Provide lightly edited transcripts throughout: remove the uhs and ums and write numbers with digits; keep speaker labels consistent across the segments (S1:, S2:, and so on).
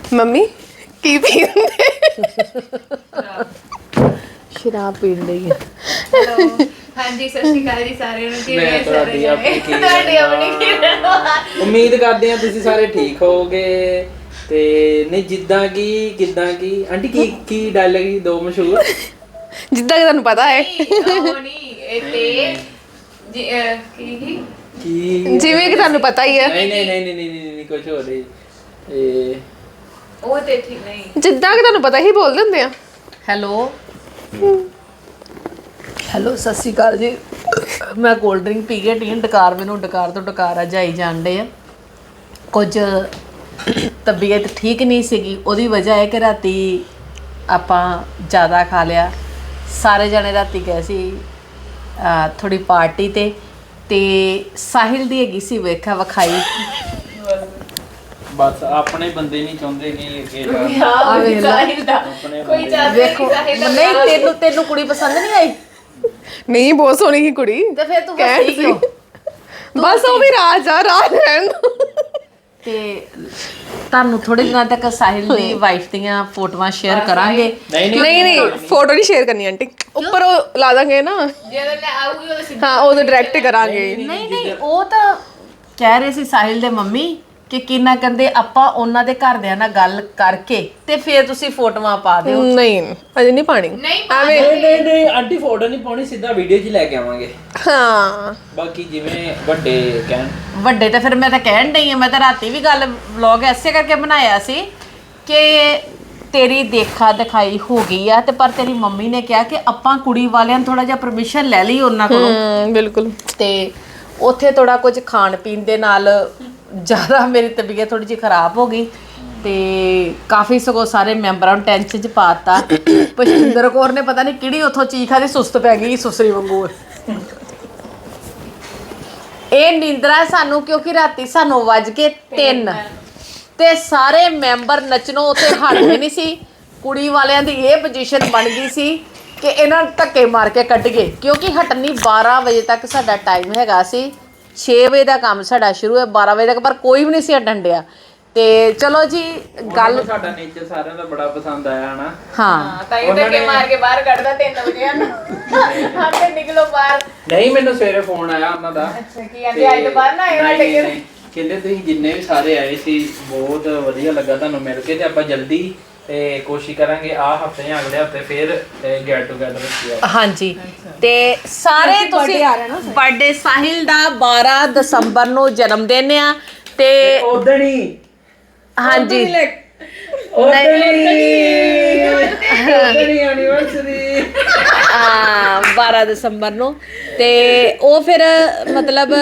S1: Mummy ਕੀ ਪੀਂਦੇ?
S2: ਸ਼ਰਾਬ ਪੀਣ ਲਈ।
S3: ਹੈਲੋ ਹਾਂਜੀ ਸਤਿ ਸ਼੍ਰੀ ਅਕਾਲ ਜੀ ਸਾਰਿਆਂ ਨੂੰ। ਕਿਵੇਂ
S4: ਮੈਂ
S3: ਸਾਰੇ ਜਾਣੇ? ਤੁਹਾਡੀ ਆਪਣੀ ਕਿਰਨ
S4: ਉਮੀਦ ਕਰਦੇ ਹਾਂ ਤੁਸੀਂ ਸਾਰੇ ਠੀਕ ਹੋਵੋਗੇ। ਤੇ ਨਹੀਂ ਜਿੱਦਾਂ ਕਿ ਕਿੱਦਾਂ ਕਿ ਆਂਟੀ ਕੀ ਡਾਇਲੌਗ ਦੋ ਮਸ਼ਹੂਰ
S1: ਜਿੱਦਾਂ ਕਿ ਤੁਹਾਨੂੰ ਪਤਾ ਹੈ
S3: ਉਹ ਨਹੀਂ ਇਹ ਤੇ ਕੀ
S1: ਜਿਵੇਂ ਕਿ ਤੁਹਾਨੂੰ ਪਤਾ ਹੀ ਹੈ।
S4: ਨਹੀਂ ਕੁਝ ਹੋਰ ਨਹੀਂ ਇਹ
S3: ਉਹ ਤੇ ਠੀਕ ਨਹੀਂ
S1: ਜਿੱਦਾਂ ਕਿ ਤੁਹਾਨੂੰ ਪਤਾ ਹੀ ਬੋਲਦੇ ਹੁੰਦੇ ਆ।
S2: ਹੈਲੋ ਸਤਿ ਸ਼੍ਰੀ ਅਕਾਲ ਜੀ। ਮੈਂ ਕੋਲਡ ਡਰਿੰਕ ਪੀ ਕੇ ਟੀ ਡਕਾਰ ਮੈਨੂੰ ਡਕਾਰ ਤੋਂ ਡਕਾਰ ਜਾਈ ਜਾਂਦੇ ਆ। ਕੁਝ ਤਬੀਅਤ ਠੀਕ ਨਹੀਂ ਸੀਗੀ, ਉਹਦੀ ਵਜ੍ਹਾ ਹੈ ਕਿ ਰਾਤੀ ਆਪਾਂ ਜ਼ਿਆਦਾ ਖਾ ਲਿਆ। ਸਾਰੇ ਜਣੇ ਰਾਤੀ ਗਏ ਸੀ ਥੋੜੀ ਪਾਰਟੀ ਤੇ ਸਾਹਿਲ ਦੀ ਹੈਗੀ ਸੀ ਵੇਖਾ ਵਿਖਾਈ।
S4: ਬਸ ਆਪਣੇ ਬੰਦੇ ਨਹੀਂ ਚਾਹੁੰਦੇ ਕਿ
S3: ਸਾਹਿਲ ਦਾ ਕੋਈ ਚਾਹਤਾ
S2: ਵੇਖੋ ਨਹੀਂ ਤੈਨੂੰ ਕੁੜੀ ਪਸੰਦ ਨਹੀਂ ਆਈ?
S1: ਨਹੀਂ ਬਹੁਤ ਸੋਹਣੀ ਸੀ ਕੁੜੀ।
S2: ਤੇ ਫਿਰ ਤੂੰ
S1: ਕਹਿਣ
S2: ਹੱਸੀ ਕਿਉਂ?
S1: ਬਸ ਉਹ ਵੀ ਰਾਜ ਰਹਿਣ ਦਿਓ।
S2: ਤੇ ਤੁਹਾਨੂੰ ਥੋੜੇ ਦਿਨਾਂ ਤੱਕ ਸਾਹਿਲ ਦੀ ਵਾਈਫ ਦੀਆਂ ਫੋਟੋਆਂ ਸ਼ੇਅਰ ਕਰਾਂਗੇ।
S1: ਨਹੀਂ ਫੋਟੋ ਨਹੀਂ ਸ਼ੇਅਰ ਕਰਨੀ ਆਂਟੀ, ਉੱਪਰ ਉਹ ਲਾ ਦਾਂਗੇ ਨਾ।
S3: ਜਦੋਂ ਲੈ ਆਊਗੀ ਉਹ ਸਿੱਧਾ
S1: ਹਾਂ ਉਹਦੇ ਡਾਇਰੈਕਟ ਕਰਾਂਗੇ।
S2: ਨਹੀਂ ਉਹ ਤਾਂ ਕਹਿ ਰਹੇ ਸੀ ਸਾਹਿਲ ਦੇ ਮੰਮੀ ਕਿ ਕਿੰਨਾ ਕਹਿੰਦੇ ਆਪਾਂ ਉਹਨਾਂ ਦੇ ਘਰਦਿਆਂ ਨਾਲ ਗੱਲ ਕਰਕੇ ਤੇ ਫਿਰ ਤੁਸੀਂ ਫੋਟੋਆਂ ਪਾ ਦਿਓ।
S1: ਨਹੀਂ ਅਜੇ ਨਹੀਂ ਪਾਣੀ
S3: ਨਹੀਂ
S1: ਐਵੇਂ।
S4: ਨਹੀਂ ਆਂਟੀ ਫੋਟੋ ਨਹੀਂ ਪਾਉਣੀ, ਸਿੱਧਾ ਵੀਡੀਓ 'ਚ ਲੈ ਕੇ ਆਵਾਂਗੇ।
S1: ਹਾਂ
S4: ਬਾਕੀ ਜਿਵੇਂ ਵੱਡੇ ਕਹਿਣ
S2: ਵੱਡੇ ਤਾਂ ਫਿਰ ਮੈਂ ਤਾਂ ਕਹਿਣ ਡਈ ਆ, ਮੈਂ ਤਾਂ ਰਾਤੀ ਵੀ ਗੱਲ ਵਲੌਗ ਐਸੇ ਕਰਕੇ ਬਣਾਇਆ ਸੀ ਕਿ ਤੇਰੀ ਦੇਖਾ ਦਿਖਾਈ ਹੋ ਗਈ ਆ ਤੇ ਪਰ ਤੇਰੀ ਮੰਮੀ ਨੇ ਕਿਹਾ ਕਿ ਆਪਾਂ ਕੁੜੀ ਵਾਲਿਆਂ ਨੂੰ ਥੋੜਾ ਜਿਹਾ ਪਰਮਿਸ਼ਨ ਲੈ ਲਈ ਉਹਨਾਂ ਕੋਲੋਂ।
S1: ਬਿਲਕੁਲ।
S2: ਤੇ ਉੱਥੇ ਥੋੜਾ ਕੁਝ ਖਾਣ ਪੀਣ ਦੇ ਨਾਲ ਜ਼ਿਆਦਾ ਮੇਰੀ ਤਬੀਅਤ ਥੋੜੀ ਜਿਹੀ ਖਰਾਬ ਹੋ ਗਈ ਤੇ ਕਾਫੀ ਸਗੋਂ ਸਾਰੇ ਮੈਂਬਰਾਂ ਨੂੰ ਟੈਨਸ਼ਨ 'ਚ ਪਾਤਾ। ਪੁਸ਼ਪਿੰਦਰ ਕੌਰ ਨੇ ਪਤਾ ਨਹੀਂ ਕਿਹੜੀ ਉੱਥੋਂ ਚੀਜ਼ ਖਾਦੀ, ਸੁਸਤ ਪੈ ਗਈ ਸੁਸਰੀ ਵਾਂਗੂ। ਇਹ ਨੀਂਦਰਾ ਸਾਨੂੰ ਕਿਉਂਕਿ ਰਾਤੀ ਸਾਨੂੰ ਵੱਜ ਕੇ 3 ਤੇ ਸਾਰੇ ਮੈਂਬਰ ਨੱਚਣੋਂ ਉੱਥੇ ਹਟਦੇ ਨਹੀਂ ਸੀ। ਕੁੜੀ ਵਾਲਿਆਂ ਦੀ ਇਹ ਪੋਜੀਸ਼ਨ ਬਣ ਗਈ ਸੀ ਕਿ ਇਹਨਾਂ ਨੂੰ ਧੱਕੇ ਮਾਰ ਕੇ ਕੱਢ ਗਏ ਕਿਉਂਕਿ ਹਟਣੀ 12 ਵਜੇ ਤੱਕ ਸਾਡਾ ਟਾਈਮ ਹੈਗਾ ਸੀ। 6 ਵਜੇ ਦਾ ਕੰਮ ਸਾਡਾ ਸ਼ੁਰੂ ਹੈ 12 ਵਜੇ ਤੱਕ, ਪਰ ਕੋਈ ਵੀ ਨਹੀਂ ਸੀ ਹਟਣ ਡਿਆ। ਤੇ ਚਲੋ ਜੀ ਗੱਲ
S4: ਸਾਡਾ ਨੇਚਰ ਸਾਰਿਆਂ ਦਾ ਬੜਾ ਪਸੰਦ ਆਇਆ ਹਨਾ।
S2: ਹਾਂ
S3: ਤਾਂ ਇਹ ਧੱਕੇ ਮਾਰ ਕੇ ਬਾਹਰ ਕੱਢਦਾ 3 ਵਜੇ ਹਨ ਆਪੇ ਨਿਕਲੋ ਬਾਹਰ।
S4: ਨਹੀਂ ਮੈਨੂੰ ਸਵੇਰੇ ਫੋਨ ਆਇਆ ਉਹਨਾਂ ਦਾ।
S3: ਅੱਛਾ ਕੀ ਕਹਿੰਦੇ ਅੱਜ ਤੋਂ ਬਾਅਦ ਨਾ ਆਏ ਸਾਡੇ ਘਰ।
S4: ਕਹਿੰਦੇ ਤੁਸੀਂ ਜਿੰਨੇ ਵੀ ਸਾਰੇ ਆਏ ਸੀ ਬਹੁਤ ਵਧੀਆ ਲੱਗਾ ਤੁਹਾਨੂੰ ਮਿਲ ਕੇ ਤੇ ਆਪਾਂ ਜਲਦੀ ਤੇ ਕੋਸ਼ਿਸ਼ ਕਰਾਂਗੇ ਆ ਹਫਤੇ ਜਾਂ ਅਗਲੇ ਹਫਤੇ ਫਿਰ ਗੈਟ ਟੂਗੇਦਰ ਰੱਖੀਏ।
S2: ਹਾਂਜੀ ਤੇ ਸਾਰੇ ਤੁਸੀਂ ਬਰਥਡੇ ਸਾਹਿਲ ਦਾ 12 ਦਸੰਬਰ ਨੂੰ ਜਨਮ ਦਿਨ ਆ ਤੇ
S4: ਉਦਣ ਹੀ
S2: ਹਾਂਜੀ
S4: ਐਨੀਵਰਸਰੀ
S2: 12 ਦਸੰਬਰ ਨੂੰ ਤੇ ਉਹ ਫਿਰ ਮਤਲਬ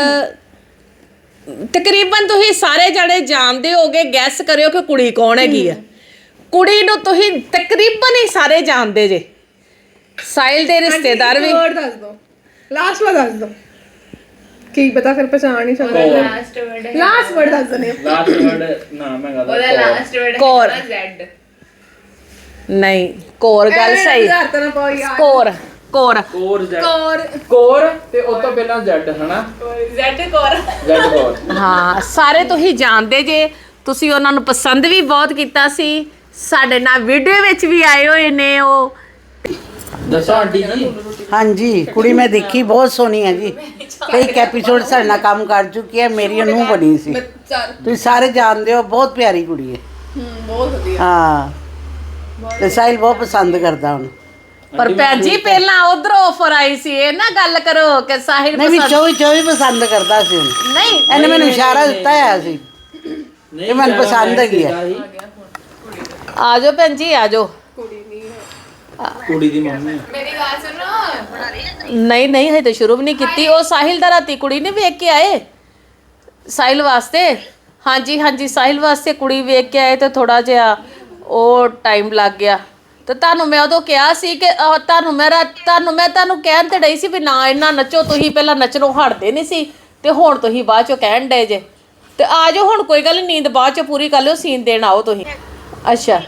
S2: ਤਕਰੀਬਨ ਤੁਸੀਂ ਸਾਰੇ ਜਣੇ ਜਾਣਦੇ ਹੋਗੇ। ਗੈਸ ਕਰਿਓ ਕਿ ਕੁੜੀ ਕੌਣ ਹੈਗੀ ਆ। ਕੁੜੀ ਨੂੰ ਤੁਸੀਂ ਤਕਰੀਬਨ ਹੀ ਸਾਰੇ ਜਾਣਦੇ ਜੇ। ਸਾਹਿਲ ਦੇ ਰਿਸ਼ਤੇਦਾਰ ਵੀ।
S1: ਦੱਸ ਦੋ ਲਾਸਟ ਵਾਰ ਦੱਸ ਦੋ ਕੀ ਪਤਾ ਫਿਰ ਪਛਾਣ ਹੀ ਸਕਦਾ।
S3: ਲਾਸਟ ਵਰਡ
S1: ਲਾਸਟ ਵਰਡ ਦੱਸ ਦਨੇ।
S4: ਲਾਸਟ ਵਰਡ ਨਾਮ ਹੈਗਾ
S3: ਉਹਦਾ ਲਾਸਟ ਵਰਡ
S2: ਕੌਰ।
S3: ਹੈ ਜ਼ੈਡ।
S2: ਨਹੀਂ ਕੋਰ ਗੱਲ ਸਹੀ। ਕੋਰ ਕੋਰ
S4: ਕੋਰ ਤੇ ਉਸ ਤੋਂ ਪਹਿਲਾਂ ਜ਼ੈਡ ਹਨਾ।
S3: ਜ਼ੈਡ ਕੌਰ।
S4: ਜ਼ੈਡ ਕੋਰ।
S2: ਹਾਂ ਸਾਰੇ ਤੁਸੀਂ ਜਾਣਦੇ ਜੇ। ਤੁਸੀਂ ਉਹਨਾਂ ਨੂੰ ਪਸੰਦ ਵੀ ਬਹੁਤ ਕੀਤਾ ਸੀ। ਸਾਡੇ ਨਾਲ ਵੀਡੀਓ ਵਿੱਚ ਵੀ ਆਏ ਹੋਏ ਨੇ ਉਹ।
S4: ਦੱਸੋ ਆਂਟੀ ਜੀ।
S5: ਹਾਂਜੀ ਕੁੜੀ ਮੈਂ ਦੇਖੀ ਬਹੁਤ ਸੋਹਣੀ ਹੈ ਜੀ। ਕਈ ਐਪੀਸੋਡ ਸਾਡੇ ਨਾਲ ਕੰਮ ਕਰ ਚੁੱਕੀ ਹੈ। ਮੇਰੀ ਨੂੰਹ ਬਣੀ ਸੀ। ਤੁਸੀਂ ਸਾਰੇ ਜਾਣਦੇ ਹੋ ਬਹੁਤ ਪਿਆਰੀ ਕੁੜੀ ਹੈ।
S1: ਬਹੁਤ ਵਧੀਆ।
S5: ਹਾਂ ਤੇ ਸਾਹਿਲ ਬਹੁਤ ਪਸੰਦ ਕਰਦਾ ਹੁਣ।
S2: ਪਰ ਭੈਣ ਜੀ ਪਹਿਲਾਂ ਉਧਰੋਂ ਆਫਰ ਆਈ ਸੀ ਇਹ ਨਾ ਗੱਲ ਕਰੋ ਕਿ ਸਾਹਿਲ
S5: ਨਹੀਂ ਵੀ 24 ਪਸੰਦ ਕਰਦਾ ਸੀ ਹੁਣ।
S2: ਨਹੀਂ
S5: ਇਹਨੇ ਮੈਨੂੰ ਇਸ਼ਾਰਾ ਦਿੱਤਾ ਹੋਇਆ ਸੀ ਕਿ ਮੈਨੂੰ ਪਸੰਦ ਹੈਗੀ ਹੈ।
S2: ਆ ਜਾਓ ਭੈਣ ਜੀ ਆ ਜਾਓ।
S4: ਕੁੜੀ ਦੀ ਮੰਮੀ
S3: ਮੇਰੀ ਗੱਲ ਸੁਣੋ।
S2: ਨਹੀਂ ਹਜੇ ਤਾਂ ਸ਼ੁਰੂ ਵੀ ਨਹੀਂ ਕੀਤੀ। ਉਹ ਸਾਹਿਲ ਦਾ ਰਾਤੀ ਕੁੜੀ ਨੇ ਵੇਖ ਕੇ ਆਏ ਸਾਹਿਲ ਵਾਸਤੇ। ਹਾਂਜੀ ਸਾਹਿਲ ਵਾਸਤੇ ਕੁੜੀ ਵੇਖ ਕੇ ਆਏ ਤੇ ਥੋੜਾ ਜਿਹਾ ਉਹ ਟਾਈਮ ਲੱਗ ਗਿਆ। ਤੇ ਤੁਹਾਨੂੰ ਮੈਂ ਉਦੋਂ ਕਿਹਾ ਸੀ ਕਿ ਤੁਹਾਨੂੰ ਕਹਿਣ ਤੇ ਡਈ ਸੀ ਵੀ ਨਾ ਇੰਨਾ ਨੱਚੋ। ਤੁਸੀਂ ਪਹਿਲਾਂ ਨੱਚਣੋਂ ਹਟਦੇ ਨਹੀਂ ਸੀ ਤੇ ਹੁਣ ਤੁਸੀਂ ਬਾਅਦ ਚੋਂ ਕਹਿਣ ਡਏ ਜੇ। ਤੇ ਆ ਜਾਓ ਹੁਣ ਕੋਈ ਗੱਲ ਨੀ, ਨੀਂਦ ਬਾਅਦ ਚੋਂ ਪੂਰੀ ਕਰ ਲਿਓ। ਸੀਨ ਦੇਣ ਆਓ ਤੁਸੀਂ। ਅੱਛਾ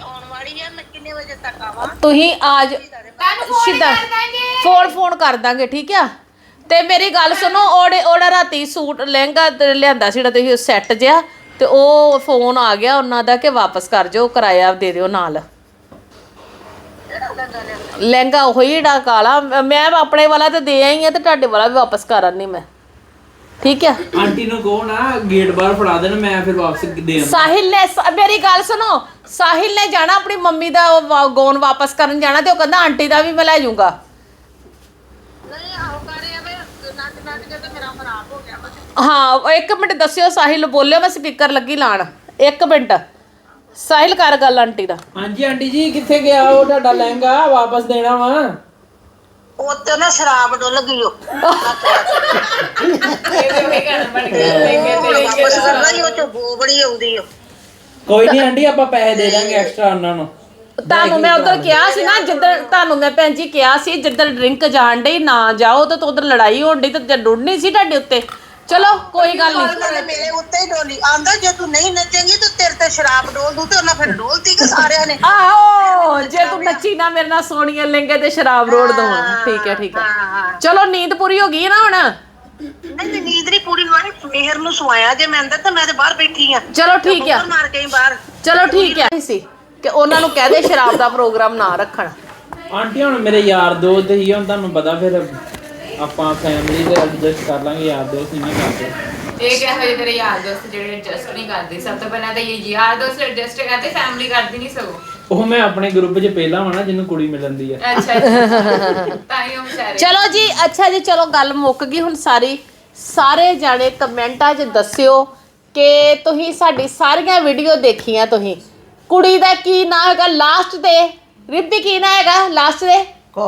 S2: ਤੁਸੀਂ ਆ ਜਾਓ ਸਿੱਧਾ ਫੋਨ ਕਰ ਦਾਂਗੇ ਠੀਕ ਆ। ਤੇ ਮੇਰੀ ਗੱਲ ਸੁਣੋ ਉਹਦਾ ਰਾਤੀ ਸੂਟ ਲਹਿੰਗਾ ਲਿਆਂਦਾ ਸੀ ਜਿਹੜਾ ਤੁਸੀਂ ਸੈੱਟ ਜਿਹਾ ਤੇ ਉਹ ਫੋਨ ਆ ਗਿਆ ਉਹਨਾਂ ਦਾ ਕਿ ਵਾਪਸ ਕਰ ਜਾਓ, ਕਿਰਾਇਆ ਦੇ ਦਿਓ ਨਾਲ। ਲਹਿੰਗਾ ਉਹੀ ਜਿਹੜਾ ਕਾਲਾ, ਮੈਂ ਆਪਣੇ ਵਾਲਾ ਤੇ ਦੇ ਆਈ ਆ ਤੇ ਤੁਹਾਡੇ ਵਾਲਾ ਵੀ ਵਾਪਸ ਕਰ ਆਨੀ ਮੈਂ, ਠੀਕ ਹੈ।
S4: ਆਂਟੀ ਨੂੰ ਕਹੋ ਨਾ ਗੇਟ ਬਾਹਰ ਫੜਾ ਦੇਣ, ਮੈਂ ਫਿਰ ਵਾਪਸ ਦੇ ਆਉਂਦਾ।
S2: ਸਾਹਿਲ ਨੇ ਮੇਰੀ ਗੱਲ ਸੁਣੋ, ਸਾਹਿਲ ਨੇ ਜਾਣਾ ਆਪਣੀ ਮੰਮੀ ਦਾ ਗੌਨ ਵਾਪਸ ਕਰਨ ਜਾਣਾ ਤੇ ਉਹ ਕਹਿੰਦਾ ਆਂਟੀ ਦਾ ਵੀ ਮੈਂ ਲੈ ਜਾਊਂਗਾ। ਹਾਂ 1 ਮਿੰਟ ਦੱਸਿਓ, ਸਾਹਿਲ ਬੋਲਿਓ, ਮੈਂ ਸਪੀਕਰ ਲੱਗੀ ਲਾਣ। 1 ਮਿੰਟ ਸਾਹਿਲ ਕਰ ਗੱਲ ਆਂਟੀ ਦਾ।
S4: ਹਾਂਜੀ ਆਂਟੀ ਜੀ ਕਿੱਥੇ ਗਿਆ ਉਹ ਤੁਹਾਡਾ ਲਹਿੰਗਾ, ਵਾਪਸ ਦੇਣਾ ਵਾ।
S6: ਉੱਤੇ ਨਾ ਸ਼ਰਾਬ ਡੁੱਲ ਗਈ ਉਹ
S3: ਇਹਦੇ ਉਹੀ ਗਾਣਾ ਬਣ ਗਿਆ
S6: ਵਾਪਸ ਕਰਨਾ ਹੀ, ਉਹ ਚ ਬੋ ਬੜੀ ਆਉਂਦੀ ਆ।
S4: ਕੋਈ ਨਹੀਂ ਆਂਟੀ ਆਪਾਂ ਪੈਸੇ ਦੇ ਦਾਂਗੇ ਐਕਸਟਰਾ ਉਹਨਾਂ ਨੂੰ।
S2: ਤੁਹਾਨੂੰ ਮੈਂ ਉਧਰ ਕਿਹਾ ਸੀ ਨਾ, ਜਿੱਦਣ ਤੁਹਾਨੂੰ ਮੈਂ ਭੈਣ ਜੀ ਕਿਹਾ ਸੀ ਜਿੱਦਣ ਡਰਿੰਕ ਜਾਣ ਡਈ ਨਾ ਜਾਓ, ਤੇ ਉਧਰ ਲੜਾਈ ਹੋਣ ਡਈ ਤੇ ਡੁੱਡਣੀ ਸੀ ਤੁਹਾਡੇ ਉੱਤੇ। ਚਲੋ ਕੋਈ ਗੱਲ ਨਹੀਂ,
S6: ਮੇਰੇ ਉੱਤੇ ਹੀ ਡੋਲੀ ਆਂਦਾ ਜੇ ਤੂੰ ਨਹੀਂ ਨੱਚੇਂਗੀ ਤਾਂ ਤੇਰੇ ਤੇ ਸ਼ਰਾਬ ਡੋਲ ਦੂ, ਤੇ ਉਹਨਾਂ ਫਿਰ ਡੋਲਤੀ ਕਿ ਸਾਰਿਆਂ ਨੇ।
S2: ਆਹੋ ਜੇ ਤੂੰ ਨੱਚੀ ਨਾ ਮੇਰੇ ਨਾਲ ਸੋਹਣੀਆਂ ਲਹਿੰਗੇ ਤੇ ਸ਼ਰਾਬ ਰੋੜ ਦਵਾਂ। ਠੀਕ ਹੈ ਠੀਕ ਹੈ, ਚਲੋ ਨੀਂਦ ਪੂਰੀ ਹੋ ਗਈ ਨਾ ਹੁਣ।
S6: ਨਹੀਂ ਨੀਂਦ ਨਹੀਂ ਪੂਰੀ ਹੋਣੀ, ਮਿਹਰ ਨੂੰ ਸਵਾਇਆ ਜੇ ਮੈਂ ਅੰਦਰ ਤੇ ਮੈਂ ਤੇ ਬਾਹਰ ਬੈਠੀ ਆ।
S2: ਚਲੋ ਠੀਕ ਹੈ,
S6: ਮਾਰ ਕੇ ਬਾਹਰ।
S2: ਚਲੋ ਠੀਕ ਹੈ ਸੀ ਕਿ ਉਹਨਾਂ ਨੂੰ ਕਹਿ ਦੇ ਸ਼ਰਾਬ ਦਾ ਪ੍ਰੋਗਰਾਮ ਨਾ ਰੱਖਣ।
S4: ਆਂਟੀ ਹੁਣ ਮੇਰੇ ਯਾਰ ਦੋਸਤ ਹੀ ਹੁਣ ਤੁਹਾਨੂੰ ਪਤਾ, ਫਿਰ ਆਪਾਂ ਫੈਮਿਲੀ ਦੇ ਐਡਜਸਟ ਕਰ ਲਾਂਗੇ, ਯਾਰ ਦੋਸਤ ਨਹੀਂ ਨਾ ਕਰਦੇ।
S3: ਇਹ ਕਿਹੋ ਜਿਹੇ ਤੇਰੇ ਯਾਰ ਦੋਸਤ ਜਿਹੜੇ ਐਡਜਸਟ ਨਹੀਂ ਕਰਦੇ? ਸਭ ਤੋਂ ਪਹਿਲਾਂ ਤਾਂ ਇਹ ਯਾਰ ਦੋਸਤ ਐਡਜਸਟ ਕਰਦੇ, ਫੈਮਿਲੀ ਕਰਦੀ ਨਹੀਂ ਸਗੋਂ।
S4: ਉਹ ਮੈਂ ਆਪਣੇ ਗਰੁੱਪ 'ਚ ਪਹਿਲਾਂ ਵਾ ਨਾ ਜਿਹਨੂੰ ਕੁੜੀ ਮਿਲਦੀ ਆ।
S3: ਅੱਛਾ ਤਾਂ ਹੀ ਉਹ ਵਿਚਾਰੇ।
S2: ਚਲੋ ਜੀ ਅੱਛਾ ਜੀ, ਚਲੋ ਗੱਲ ਮੁੱਕ ਗਈ ਹੁਣ ਸਾਰੀ। ਸਾਰੇ ਜਾਣੇ ਕਮੈਂਟਾਂ 'ਚ ਦੱਸਿਓ ਕਿ ਤੁਸੀਂ ਸਾਡੀ ਸਾਰੀਆਂ ਵੀਡੀਓ ਦੇਖੀਆਂ। ਤੁਸੀਂ ਕੁੜੀ ਦਾ ਕੀ ਨਾਂ ਹੈਗਾ ਲਾਸਟ ਤੇ? ਰਿੱਪੀ ਕੀ ਨਾਂ ਹੈਗਾ ਲਾਸਟ ਤੇ?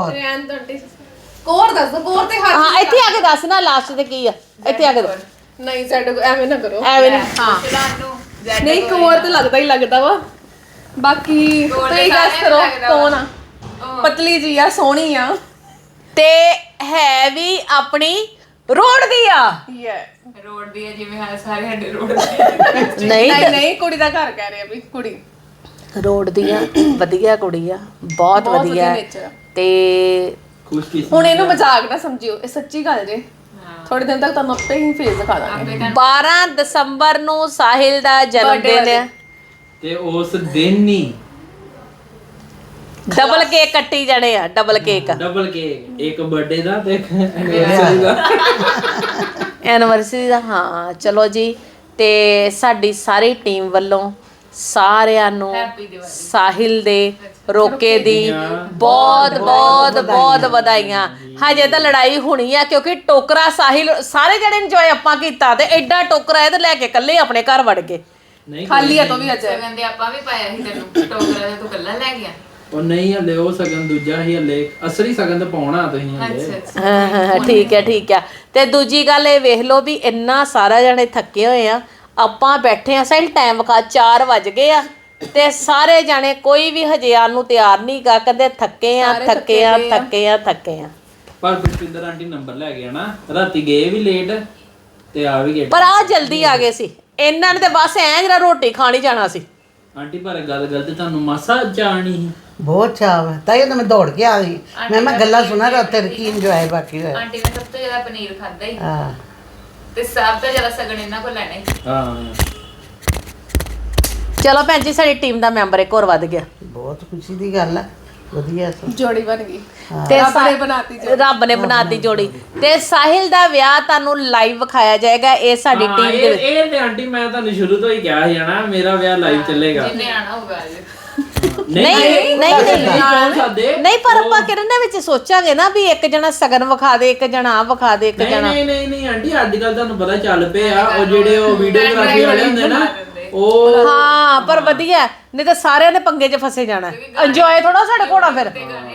S1: ਕੋਰ ਦੱਸ ਦੋ, ਕੋਰ ਤੇ ਹੱਥ।
S2: ਹਾਂ ਇੱਥੇ ਆ ਕੇ ਦੱਸ ਨਾ ਲਾਸਟ ਤੇ ਕੀ ਆ, ਇੱਥੇ ਆ ਕੇ ਦੱਸ।
S1: ਨਹੀਂ ਸਾਡੇ ਕੋਲ ਐਵੇਂ ਨਾ ਕਰੋ,
S2: ਐਵੇਂ ਨਹੀਂ। ਹਾਂ
S3: ਤੁਹਾਨੂੰ
S1: ਨਹੀਂ ਕੋਰ ਤੇ ਲੱਗਦਾ ਹੀ ਲੱਗਦਾ ਵਾ। ਬਾਕੀ ਤੁਸੀਂ ਗੈਸ ਕਰੋ ਕੌਣ ਆ। ਪਤਲੀ ਜੀ ਆ, ਸੋਹਣੀ ਆ
S2: ਤੇ ਹੈ ਵੀ ਆਪਣੀ ਰੋਡ ਦੀ ਆ।
S3: ਰੋਡ ਦੀ ਹੈ, ਜਿਵੇਂ ਸਾਰੇ ਸਾਡੇ ਰੋਡ ਦੀ।
S2: ਨਹੀਂ
S1: ਨਹੀਂ ਕੁੜੀ ਦਾ ਘਰ ਕਹਿ ਰਹੇ ਆ ਵੀ, ਕੁੜੀ
S2: ਰੋਡ ਦੀ ਆ, ਵਧੀਆ ਕੁੜੀ ਆ, ਬਹੁਤ ਵਧੀਆ।
S1: nature ਆ।
S2: ਤੇ
S1: ਹੁਣ ਇਹਨੂੰ ਮਜ਼ਾਕ ਨਾ ਸਮਝਿਓ, ਇਹ ਸੱਚੀ ਗੱਲ ਜੇ। ਥੋੜੇ ਦਿਨ ਤੱਕ ਤੁਹਾਨੂੰ ਆਪੇ ਹੀ ਫੇਸ ਦਿਖਾ ਦਾਂਗੇ।
S2: 12 ਦਸੰਬਰ ਨੂੰ ਸਾਹਿਲ ਦਾ ਜਨਮ ਦਿਨ ਹੈ
S4: ਤੇ ਉਸ ਦਿਨ ਹੀ
S2: ਡਬਲ ਕੇਕ ਕੱਟੀ ਜਾਣੇ ਆ, ਡਬਲ ਕੇਕ।
S4: ਡਬਲ ਕੇਕ, ਇੱਕ ਬਰਥਡੇ ਦਾ ਤੇ ਇੱਕ ਐਨੀਵਰਸਰੀ ਦਾ।
S2: ਐਨਵਰਸਰੀ ਦਾ। ਹਾਂ ਚਲੋ ਜੀ, ਤੇ ਸਾਡੀ ਸਾਰੀ ਟੀਮ ਵੱਲੋਂ ਸਾਰਿਆਂ ਨੂੰ ਸਾਹਿਲ ਦੇ ਰੋਕੇ ਦੀ ਬਹੁਤ ਬਹੁਤ ਬਹੁਤ ਵਧਾਈਆਂ। ਹਜੇ ਤਾਂ ਲੜਾਈ ਹੋਣੀ ਆ ਕਿਉਂਕਿ ਟੋਕਰਾ ਸਾਹਿਲ ਸਾਰੇ ਜਣੇ ਇੰਜੋਏ ਆਪਾਂ ਕੀਤਾ, ਤੇ ਐਡਾ ਟੋਕਰਾ ਇਹ ਤੇ ਲੈ ਕੇ ਇਕੱਲੇ ਆਪਣੇ ਘਰ ਵੜ ਗਏ।
S4: ਨਹੀਂ
S1: ਖਾਲੀ ਆ ਤੋਂ ਵੀ ਅੱਜ
S3: ਸਗਨ ਦੇ ਆਪਾਂ ਵੀ ਪਾਇਆ ਸੀ ਤੈਨੂੰ ਟੋਕਰਾ, ਤੇ ਤੂੰ ਕੱਲਾ ਲੈ ਗਿਆ।
S4: ਉਹ ਨਹੀਂ ਹਲੇ ਉਹ ਸਗਨ ਦੂਜਾ ਹੀ, ਹਲੇ ਅਸਲੀ ਸਗਨ ਤਾਂ ਪਾਉਣਾ ਤੁਸੀਂ ਹਲੇ।
S2: ਹਾਂ ਠੀਕ ਹੈ ਠੀਕ ਆ। ਤੇ ਦੂਜੀ ਗੱਲ ਇਹ ਵੇਖ ਲਓ ਵੀ ਇੰਨਾ ਸਾਰਾ ਜਣੇ ਥੱਕੇ ਹੋਏ ਆ, ਆਪਾਂ ਬੈਠੇ ਆ ਸਾਹਿਲ ਟਾਈਮ ਵਿਖਾ 4 ਵੱਜ ਗਏ ਆ, ਤੇ ਸਾਰੇ ਜਾਣੇ ਕੋਈ ਵੀ ਹਜੇ ਆਉਣ ਨੂੰ ਤਿਆਰ ਨਹੀਂ ਗਾ, ਕਹਿੰਦੇ ਥੱਕੇ ਆ ਥੱਕੇ ਆ ਥੱਕੇ ਆ ਥੱਕੇ ਆ।
S4: ਪਰ ਪੁਸ਼ਪਿੰਦਰ ਆਂਟੀ ਨੰਬਰ ਲੈ ਗਿਆ ਨਾ, ਰਾਤੀ ਗਏ ਵੀ ਲੇਟ ਤੇ ਆ ਵੀ ਗਏ।
S2: ਪਰ ਆ ਜਲਦੀ ਆ ਗਏ ਸੀ ਇਹਨਾਂ ਨੇ, ਤੇ ਬਸ ਐ ਜਰਾ ਰੋਟੀ ਖਾਣੀ ਜਾਣਾ ਸੀ।
S4: ਆਂਟੀ ਪਰ ਗੱਲ ਗਲਤ, ਤੁਹਾਨੂੰ ਮਾਸਾ ਜਾਣੀ
S5: ਬਹੁਤ ਚਾਅ ਹੈ, ਤਾਂ ਇਹ ਤਾਂ ਮੈਂ ਦੌੜ ਕੇ ਆ ਗਈ। ਮੈਂ ਗੱਲਾਂ ਸੁਣਾ ਰਾਤ ਕੀ ਇੰਜੋਏ ਬਾਕੀ ਹੋਇਆ।
S3: ਆਂਟੀ ਨੇ ਸਭ ਤੋਂ ਜ਼ਿਆਦਾ ਪਨੀਰ ਖਾਦਾ ਹੀ,
S5: ਹਾਂ
S3: ਤੇ ਸਭ ਤੋਂ ਜ਼ਿਆਦਾ ਸਗਨ ਇਹਨਾਂ ਕੋਲ ਲੈਣਾ ਹੀ।
S4: ਹਾਂ
S2: ਚਲੋ ਭੈਣ ਜੀ ਸਾਡੀ ਟੀਮ ਦਾ ਮੈਂਬਰ ਇੱਕ ਹੋਰ ਵੱਧ ਗਿਆ,
S5: ਬਹੁਤ ਖੁਸ਼ੀ ਦੀ ਗੱਲ ਹੈ, ਵਧੀਆ ਸਭ।
S1: ਜੋੜੀ ਬਣ ਗਈ,
S2: ਤੇ
S1: ਰੱਬ ਨੇ ਬਣਾਤੀ ਜੋੜੀ।
S2: ਰੱਬ ਨੇ ਬਣਾਤੀ ਜੋੜੀ। ਤੇ ਸਾਹਿਲ ਦਾ ਵਿਆਹ ਤੁਹਾਨੂੰ ਲਾਈਵ ਵਿਖਾਇਆ ਜਾਏਗਾ, ਇਹ ਸਾਡੀ ਟੀਮ ਦੇ ਵਿੱਚ।
S4: ਇਹ ਤੇ ਆਂਟੀ ਮੈਂ ਤੁਹਾਨੂੰ ਸ਼ੁਰੂ ਤੋਂ ਹੀ ਕਿਹਾ ਸੀ ਨਾ, ਮੇਰਾ ਵਿਆਹ ਲਾਈਵ ਚੱਲੇਗਾ।
S3: ਜਿੰਨੇ ਆਣਾ ਹੋਊਗਾ ਅੱਜ।
S2: ਨਹੀਂ
S4: ਕੌਣ ਸਾਦੇ
S2: ਨਹੀਂ, ਪਰ ਆਪਾਂ ਕਿਰਨ ਦੇ ਵਿੱਚ ਸੋਚਾਂਗੇ ਨਾ ਵੀ ਇੱਕ ਜਣਾ ਸਗਨ ਵਿਖਾ ਦੇ, ਇੱਕ ਜਣਾ ਆ ਵਿਖਾ ਦੇ, ਇੱਕ ਜਣਾ।
S4: ਨਹੀਂ ਆਂਟੀ ਅੱਜ ਕੱਲ ਤੁਹਾਨੂੰ ਪਤਾ ਚੱਲ ਪਏ ਆ ਉਹ ਜਿਹੜੇ ਉਹ ਵੀਡੀਓਗ੍ਰਾਫੀ ਵਾਲੇ ਹੁੰਦੇ ਨਾ ਉਹ।
S2: ਹਾਂ ਪਰ ਵਧੀਆ, ਨਹੀਂ ਤਾਂ ਸਾਰਿਆਂ ਨੇ ਪੰਗੇ 'ਚ ਫਸੇ ਜਾਣਾ, ਇੰਜੋਏ ਥੋੜਾ ਸਾਡੇ ਕੋਲ ਫਿਰ।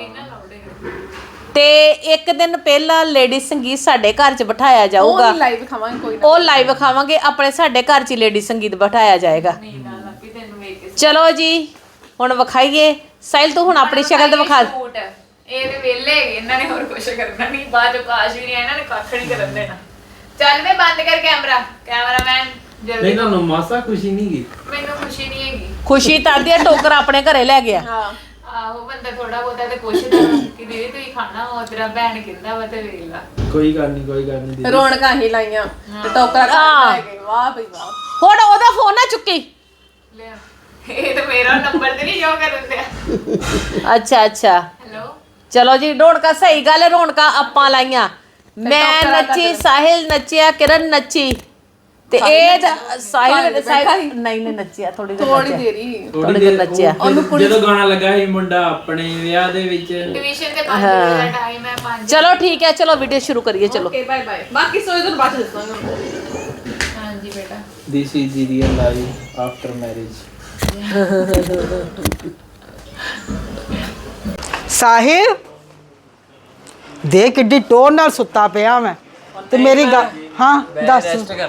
S2: ਤੇ ਇੱਕ ਦਿਨ ਪਹਿਲਾਂ ਲੇਡੀ ਸੰਗੀਤ ਸਾਡੇ ਘਰ 'ਚ ਬਿਠਾਇਆ ਜਾਊਗਾ,
S1: ਉਹ ਲਾਈਵ ਖਾਵਾਂਗੇ ਕੋਈ ਨਾ।
S2: ਉਹ ਲਾਈਵ ਖਾਵਾਂਗੇ ਆਪਣੇ, ਸਾਡੇ ਘਰ 'ਚ ਲੇਡੀ ਸੰਗੀਤ ਬਿਠਾਇਆ ਜਾਏਗਾ। ਚਲੋ ਜੀ ਹੁਣ ਵਿਖਾਈਏ, ਸਾਹਿਲ ਤੂੰ ਹੁਣ ਆਪਣੀ ਸ਼ਕਲ ਤੇ ਵਿਖਾ।
S3: ਇਹ ਤੇ ਵੇਲੇ ਹੈਗੇ, ਇਹਨਾਂ ਨੇ ਹੋਰ ਕੁਝ ਕਰਨਾ ਨਹੀਂ, ਬਾਅਦ ਚ ਕਾਸ਼ ਵੀ ਨਹੀਂ, ਇਹਨਾਂ ਨੇ ਕੱਖ ਨਹੀਂ ਕਰਨ ਦੇਣਾ। ਚੱਲ ਵੇ ਬੰਦ ਕਰ ਕੈਮਰਾ, ਕੈਮਰਾਮੈਨ ਜਲਦੀ।
S4: ਨਹੀਂ ਤੁਹਾਨੂੰ ਮਾਸਾ ਖੁਸ਼ੀ ਨਹੀਂ ਗਈ?
S3: ਮੈਨੂੰ ਖੁਸ਼ੀ ਨਹੀਂ ਹੈਗੀ।
S2: ਖੁਸ਼ੀ ਤਾਂ ਦੀ ਟੋਕਰ ਆਪਣੇ ਘਰੇ ਲੈ ਗਿਆ।
S1: ਹਾਂ
S3: ਆਹੋ ਬੰਦਾ ਥੋੜਾ ਬਹੁਤਾ ਤੇ ਪੁੱਛਦਾ ਵਾ ਕਿ ਦੀਦੀ ਤੁਸੀਂ ਖਾਣਾ ਵਾ ਤੇਰਾ ਭੈਣ ਕਹਿੰਦਾ ਵਾ ਤੇ ਵੇਖ ਲਾ
S4: ਕੋਈ ਗੱਲ ਨਹੀਂ ਦੀਦੀ
S1: ਰੌਣਕਾਂ ਹੀ ਲਾਈਆਂ ਤੇ ਟੋਕਰਾ ਖਾ ਗਏ ਵਾਹ ਭਈ ਵਾਹ
S2: ਹੁਣ ਉਹਦਾ ਫੋਨ ਨਾ ਚੁੱਕੀ।
S3: ਲੈ ਇਹ ਤਾਂ ਮੇਰਾ ਨੰਬਰ ਤੇ ਨਹੀਂ ਜੋ ਕਰਨ ਦਿਆ।
S2: ਅੱਛਾ
S3: ਹੈਲੋ
S2: ਚਲੋ ਜੀ, ਰੌਣਕਾਂ ਸਹੀ ਗੱਲ ਹੈ, ਰੌਣਕਾਂ ਆਪਾਂ ਲਾਈਆਂ। ਮੈਂ ਨੱਚੀ, ਸਾਹਿਲ ਨੱਚਿਆ, ਕਿਰਨ ਨੱਚੀ ਤੇ ਇਹ ਸਾਹਿਲ ਨਹੀਂ ਨੱਚਿਆ ਥੋੜੀ ਦੇਰ ਨੱਚਿਆ।
S4: ਜਦੋਂ ਗਾਣਾ ਲੱਗਾ ਸੀ ਮੁੰਡਾ ਆਪਣੇ ਵਿਆਹ ਦੇ ਵਿੱਚ
S3: ਟਿਊਸ਼ਨ ਤੇ 5 ਵਜੇ ਦਾ ਟਾਈਮ ਹੈ 5।
S2: ਚਲੋ ਠੀਕ ਹੈ, ਚਲੋ ਵੀਡੀਓ ਸ਼ੁਰੂ ਕਰੀਏ। ਚਲੋ
S1: ਓਕੇ ਬਾਏ ਬਾਏ। ਬਾਕੀ ਸੋਏ ਤੋਂ ਬਾਅਦ ਦੱਸਾਂਗਾ।
S3: ਹਾਂਜੀ ਬੇਟਾ
S4: this is the real life after marriage.
S7: Sahil ਦੇਖ ਕਿੱਡੀ ਟੋਰ ਨਾਲ ਸੁੱਤਾ ਪਿਆ ਮੈਂ ਤੇ ਮੇਰੀ ਗੱਲ ਹਾਂ ਦੱਸ।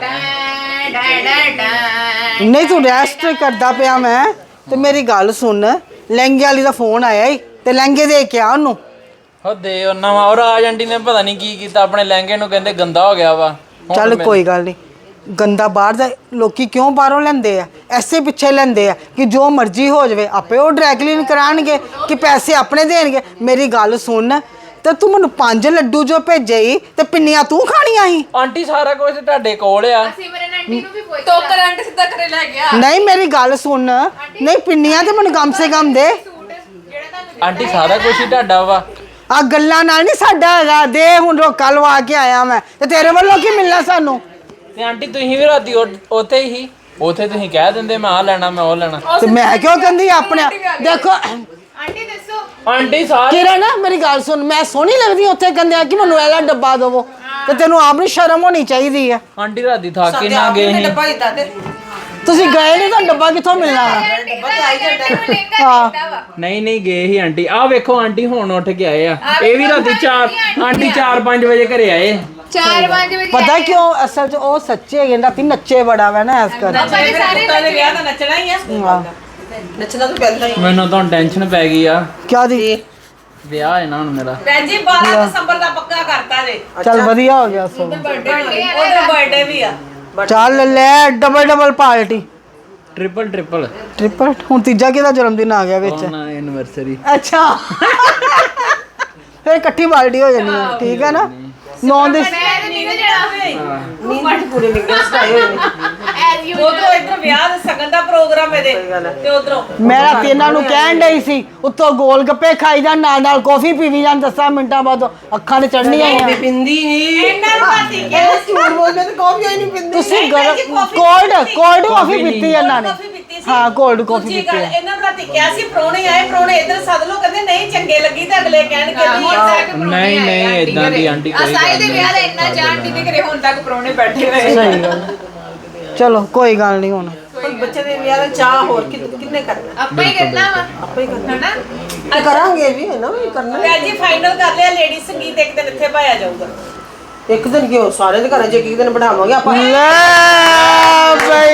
S7: ਨਹੀਂ ਤੂੰ ਰੈਸਟ ਕਰਦਾ ਪਿਆ ਮੈਂ ਤੇ ਮੇਰੀ ਗੱਲ ਸੁਣ, ਲਹਿੰਗੇ ਵਾਲੀ ਦਾ ਫੋਨ ਆਇਆ ਈ ਤੇ ਲਹਿੰਗੇ ਦੇ ਕੇ ਆ ਉਹਨੂੰ।
S4: ਹੋ ਦੇ ਉਹਨਾਂ ਵਾ। ਔਰ ਆਜ ਆਂਟੀ ਨੇ ਪਤਾ ਨਹੀਂ ਕੀ ਕੀਤਾ ਆਪਣੇ ਲਹਿੰਗੇ ਨੂੰ, ਕਹਿੰਦੇ ਗੰਦਾ ਹੋ ਗਿਆ ਵਾ।
S7: ਚੱਲ ਕੋਈ ਗੱਲ ਨਹੀਂ, ਗੰਦਾ ਬਾਹਰ ਦਾ ਲੋਕੀ ਕਿਉਂ ਬਾਹਰੋਂ ਲੈਂਦੇ ਆ? ਐਸੇ ਪਿੱਛੇ ਲੈਂਦੇ ਆ ਕਿ ਜੋ ਮਰਜ਼ੀ ਹੋ ਜਾਵੇ, ਆਪੇ ਉਹ ਡਰਾਈ ਕਲੀਨ ਕਰਾਣਗੇ ਕਿ ਪੈਸੇ ਆਪਣੇ ਦੇਣਗੇ। ਮੇਰੀ ਗੱਲ ਸੁਣ, ਤੇ ਤੂੰ ਮੈਨੂੰ 5 ਲੱਡੂ ਜੋ ਭੇਜੇ ਈ ਤੇ ਪਿੰਨੀਆਂ ਤੂੰ ਖਾਣੀਆਂ ਸੀ।
S4: ਆਂਟੀ ਸਾਰਾ ਕੁਝ ਤੁਹਾਡੇ ਕੋਲ ਆ।
S3: ਸਿਮਰਨ ਆਂਟੀ ਨੂੰ ਵੀ ਪੁੱਛ
S1: ਟੋਕਰ ਆਂਟੀ ਸਿੱਧਾ ਕਰੇ ਲੈ ਗਿਆ।
S7: ਨਹੀਂ ਮੇਰੀ ਗੱਲ ਸੁਣ, ਨਹੀਂ ਪਿੰਨੀਆਂ ਤੇ ਮੈਨੂੰ ਕਮ ਸੇ ਕਮ ਦੇ।
S3: ਜਿਹੜਾ ਤੁਹਾਨੂੰ
S4: ਆਂਟੀ ਸਾਰਾ ਕੁਝ ਹੀ ਤੁਹਾਡਾ ਵਾ।
S7: ਆ ਗੱਲਾਂ ਨਾਲ ਨਹੀਂ ਸਾਡਾ ਹੈਗਾ। ਦੇ ਹੁਣ ਰੋਕਾ ਲਵਾ ਕੇ ਆਇਆ ਮੈਂ ਤੇ ਤੇਰੇ ਵੱਲੋਂ ਕੀ ਮਿਲਣਾ ਸਾਨੂੰ?
S4: ਤੇ ਆਂਟੀ ਤੁਸੀਂ ਵੀ ਰਾਤੀ ਉੱਥੇ ਹੀ ਤੁਸੀਂ ਕਹਿ ਦਿੰਦੇ ਮੈਂ ਆ ਲੈਣਾ ਮੈਂ ਉਹ ਲੈਣਾ।
S7: ਤੇ ਮੈਂ ਕਿਉਂ ਕਹਿੰਦੀ ਆਪਣੇ ਦੇਖੋ
S3: ਆਂਟੀ ਦੱਸੋ
S4: ਆਂਟੀ ਸਾਰੇ
S7: ਕਿਰਨ ਮੇਰੀ ਗੱਲ ਸੁਣ, ਮੈਂ ਸੋਹਣੀ ਲੱਗਦੀ ਉੱਥੇ ਕਹਿੰਦੇ ਆ ਕਿ ਮੈਨੂੰ ਇਹਦਾ ਡੱਬਾ ਦੇਵੋ ਤੇ ਤੈਨੂੰ ਆਪ ਨੂੰ ਸ਼ਰਮ ਹੋਣੀ ਚਾਹੀਦੀ ਆ।
S4: ਆਂਟੀ ਰਾਤੀ ਥੱਕ ਕੇ ਨਾ ਗਏ ਸੀ।
S7: ਤੁਸੀਂ ਗਏ ਨਹੀਂ ਤਾਂ ਡੱਬਾ ਕਿੱਥੋਂ ਮਿਲਣਾ ਵਾ?
S3: ਹਾਂ
S4: ਨਹੀਂ ਗਏ ਸੀ ਆਂਟੀ। ਆਹ ਵੇਖੋ ਆਂਟੀ ਹੁਣ ਉੱਠ ਕੇ ਆਏ ਆ। ਇਹ ਵੀ ਰਾਤੀ 4 ਆਂਟੀ 4-5 ਵਜੇ ਘਰੇ ਆਏ।
S3: 4-5 ਵਜੇ
S7: ਪਤਾ ਕਿਉਂ? ਅਸਲ 'ਚ ਉਹ ਸੱਚੇ ਹੈਗੇ, ਰਾਤੀ ਨੱਚੇ ਬੜਾ ਵਾ ਨਾ ਇਸ ਕਰਕੇ।
S1: ਸਾਰੇ ਵਿਆਹ ਤਾਂ ਨੱਚਣਾ ਹੀ ਆ।
S7: ਹਾਂ
S1: ਨੱਚਣਾ ਤਾਂ ਪੈਂਦਾ ਹੀ।
S4: ਮੈਨੂੰ ਤਾਂ ਟੈਨਸ਼ਨ ਪੈ ਗਈ ਆ।
S7: ਕਿਆ ਦੀ?
S4: ਵਿਆਹ ਹੈ ਨਾ ਹੁਣ ਮੇਰਾ।
S1: ਵੈਜੀ 12 ਦਸੰਬਰ ਦਾ ਪੱਕਾ ਕਰਤਾ ਜੇ।
S7: ਚੱਲ ਵਧੀਆ ਹੋ ਗਿਆ ਸੋ।
S1: ਉਹਦਾ ਬਰਥਡੇ ਵੀ ਆ।
S7: ਚੱਲ ਲੈ ਡਬਲ ਪਾਰਟੀ।
S4: ਟ੍ਰਿਪਲ
S7: ਹੁਣ ਤੀਜਾ ਕਿਹਦਾ ਜਨਮ ਦਿਨ ਆ ਗਿਆ ਵਿੱਚ?
S4: ਨਾ ਐਨਵਰਸਰੀ।
S7: ਅੱਛਾ ਫਿਰ ਇਕੱਠੀ ਪਾਰਟੀ ਹੋ ਜਾਣੀ ਹੈ, ਠੀਕ ਹੈ ਨਾ? 9 ਦੇ
S1: ਨੀਂਦ ਪੂਰੇ ਨਿਕਲ ਸਟਾਈ ਹੋਏ ਨੇ। ਉਧਰੋਂ ਇੱਧਰ ਵਿਆਹ ਦੇ ਸਗਨ ਦਾ ਪ੍ਰੋਗਰਾਮ ਇਹਦੇ ਤੇ ਉਧਰੋਂ
S7: ਮੈਂ ਰਾਤੀ ਇਹਨਾਂ ਨੂੰ ਕਹਿਣ ਡਈ ਸੀ ਉੱਤੋਂ ਗੋਲ ਗੱਪੇ ਖਾਈ ਜਾਣ ਨਾਲ ਕਾਫੀ ਪੀਵੀ ਜਾਣ। 10 ਮਿੰਟਾਂ ਬਾਅਦ ਅੱਖਾਂ ਤੇ ਚੜ੍ਹਨੀਆਂ ਆਈਆਂ।
S1: ਪਿੰਦੀ ਨਹੀਂ ਇਹਨਾਂ ਨੂੰ ਰਾਤੀ ਕਿਹਾ ਝੂਠ ਬੋਲਦੇ ਤੇ ਕਾਫੀ ਹੋਈ ਨਹੀਂ ਪਿੰਦੀ।
S7: ਤੁਸੀਂ ਕੋਲਡ ਕਾਫੀ ਪੀਤੀ ਇਹਨਾਂ ਨੇ। ਹਾਂ ਕੋਲਡ ਕਾਫੀ
S1: ਦੂਜੀ
S7: ਪੀਤੀ
S1: ਗੱਲ
S7: ਹੈ।
S1: ਇਹਨਾਂ ਨੂੰ ਰਾਤੀ ਕਿਹਾ ਸੀ ਪ੍ਰਾਹੁਣੇ ਆਏ, ਪ੍ਰਾਹੁਣੇ ਇੱਧਰ ਸੱਦ ਲੋ, ਕਹਿੰਦੇ ਨਹੀਂ ਚੰਗੇ ਲੱਗੀ ਤੇ ਅਗਲੇ ਕਹਿਣਗੇ
S4: ਨਹੀਂ ਇਦਾਂ ਦੀ ਆਂਟੀ ਕੋਈ
S3: ਅਸਾਈ ਦੇ ਵਿਆਹ ਦਾ ਇੰਨਾ ਚਾਹ ਆਂਟੀ ਦੇ ਘਰੇ ਹੁਣ ਤੱਕ ਪ੍ਰਾਹੁਣੇ ਬੈਠੇ ਹੋਏ।
S7: ਸਹੀ ਗੱਲ। ਚਲੋ ਕੋਈ ਗੱਲ ਨਹੀਂ ਹੁਣ
S1: ਬੱਚੇ ਦੇ ਵਿਆਹ ਦਾ ਚਾਹ ਹੋਰ ਕਿੰਨੇ ਕਰਨਾ?
S3: ਆਪਾਂ ਹੀ ਕਰਨਾ ਵਾ
S1: ਆਪੇ ਹੀ ਕਰਨਾ
S3: ਹਨਾ।
S1: ਕਰਾਂਗੇ ਵੀ ਹੈ ਨਾ ਵੀ ਕਰਨਾ। ਤੇ ਅੱਜ ਹੀ ਫਾਈਨਲ ਕਰ ਲਿਆ, ਲੇਡੀ ਸੰਗੀਤ ਇੱਕ ਦਿਨ ਇੱਥੇ ਪਾਇਆ ਜਾਊਗਾ। ਇੱਕ ਦਿਨ ਕਿਉਂ? ਸਾਰੇ ਦੇ ਘਰਾਂ 'ਚ ਇੱਕ ਦਿਨ ਬਣਾਵਾਂਗੇ ਆਪਾਂ।
S7: ਲੈ ਬਈ